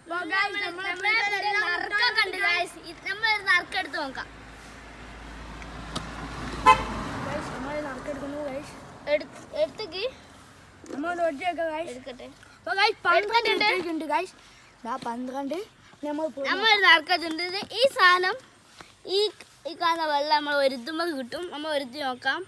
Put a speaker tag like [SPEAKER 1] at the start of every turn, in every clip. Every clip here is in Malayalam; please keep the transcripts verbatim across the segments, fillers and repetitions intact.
[SPEAKER 1] നറുക്കെടുത്ത് നോക്കാം. എടുത്തേക്ക് എടുക്കട്ടെ.
[SPEAKER 2] പന്ത്രണ്ട്
[SPEAKER 1] നമ്മൾ നറുക്കെടുത്തിട്ടുണ്ട്. ഈ സാധനം ഈ ഈ കാണുന്ന വെള്ളം നമ്മൾ ഒരുത്തുമ്പോൾ കിട്ടും. നമ്മൾ ഒരുത്തി നോക്കാം.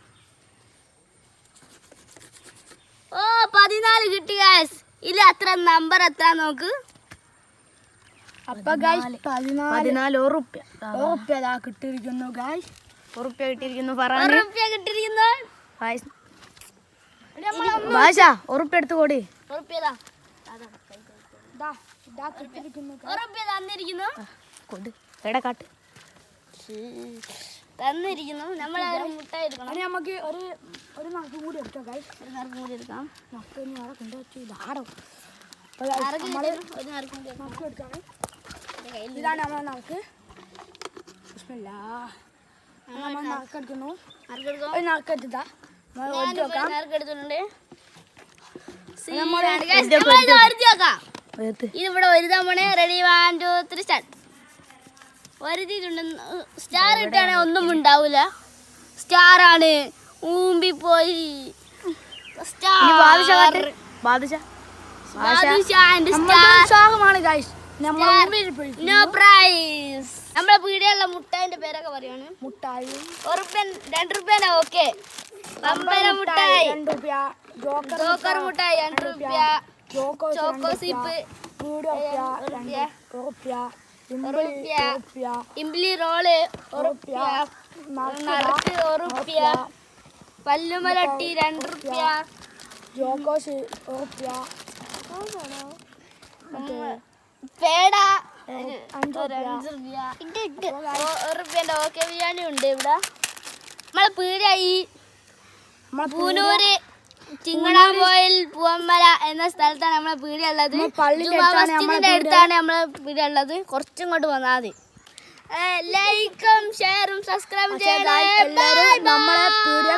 [SPEAKER 1] ഓ പതിനാല് കിട്ടി ഗൈസ്. ഇതിൽ അത്ര നമ്പർ എത്ര നോക്ക്.
[SPEAKER 2] അപ്പൊ ഗൈസ് പതിനാല് ഉറുപ്പ്യ ഉറുപ്പ്യ കിട്ടിയിരിക്കുന്നു ഗൈസ്. ഉറുപ്പ്യ കിട്ടിയിരിക്കുന്നു.
[SPEAKER 1] ഉറുപ്പ്യ കിട്ടിയിരിക്കുന്നു.
[SPEAKER 2] ഭാഷ ഉറുപ്പ്യ എടുത്ത് കൂടി.
[SPEAKER 1] ഉറുപ്പ്യതാ ഉറുപ്പ്യ തന്നിരിക്കുന്നു.
[SPEAKER 2] കൊടു എടാ കാട്ട്
[SPEAKER 1] തന്നിരിക്കുന്നു. നമ്മൾ ഒരു മുട്ടായി എടുക്കണം.
[SPEAKER 2] നമുക്ക് ഒരു ഒരു നറുക്ക് കൂടി എടുക്കാം ഗൈസ്.
[SPEAKER 1] ഒരു നറുക്ക് കൂടി എടുക്കാം.
[SPEAKER 2] നറുക്ക് ഇനി അവിടെ കൊണ്ടുവച്ചു ഇതാടോ.
[SPEAKER 1] ഒരു നറുക്ക്
[SPEAKER 2] എടുക്കാം. ഇതാണ് നമ്മളെ നറുക്ക്. ബിസ്മില്ലാ. നമ്മൾ നറുക്കെടുക്കുന്നു. ഒരു നറുക്കെടുത്താ
[SPEAKER 1] നറുക്കെടുത്തിട്ടുണ്ട്. ഇതിവിടെ ഒരു തവണ ready one two three start. ഒരുതിട്ടുണ്ട്. സ്റ്റാർ ഇട്ടാണെ ഒന്നും ഉണ്ടാവൂല. സ്റ്റാർ ആണ് ഊമ്പി പോയി. നമ്മളെ പീടിയുള്ള മുട്ടായിന്റെ പേരൊക്കെ പറയാണ്.
[SPEAKER 2] മുട്ടായി
[SPEAKER 1] ഉറുപ്പ്യൻ രണ്ട് റുപ്യനാ. ഓക്കെ പമ്പര മുട്ടായി
[SPEAKER 2] രണ്ട് റുപ്യ.
[SPEAKER 1] ജോക്കർ മുട്ടായി രണ്ട് റുപ്യ. ചോക്കോ സിപ്പ് ഇംബ്ലി റോള് ഉറുപ്പ്യ. നറുക്ക് ഉറുപ്പ്യ. പല്ലുമലട്ടി രണ്ട് റുപ്യ.
[SPEAKER 2] ജോക്കോസ് ഉറുപ്പ്യ.
[SPEAKER 1] പേട അഞ്ച് റുപ്യ. ഉറുപ്പ്യന്റെ ഓക്കെ ബിരിയാണി ഉണ്ട് ഇവിടെ. നമ്മളെ പീടിയായി പൂനൂര് ചിങ്ങണാമ്പോയിൽ പൂവമ്മല എന്ന സ്ഥലത്താണ് നമ്മളെ പീടിയ ഉള്ളത്. മസ്ജിദിന്റെ അടുത്താണ് നമ്മളെ പീടിയ ഉള്ളത്. കുറച്ചും ഇങ്ങോട്ട് വന്നാൽ മതി. ലൈക്കും ഷെയറും സബ്സ്ക്രൈബും ചെയ്യണം.
[SPEAKER 2] നമ്മളെ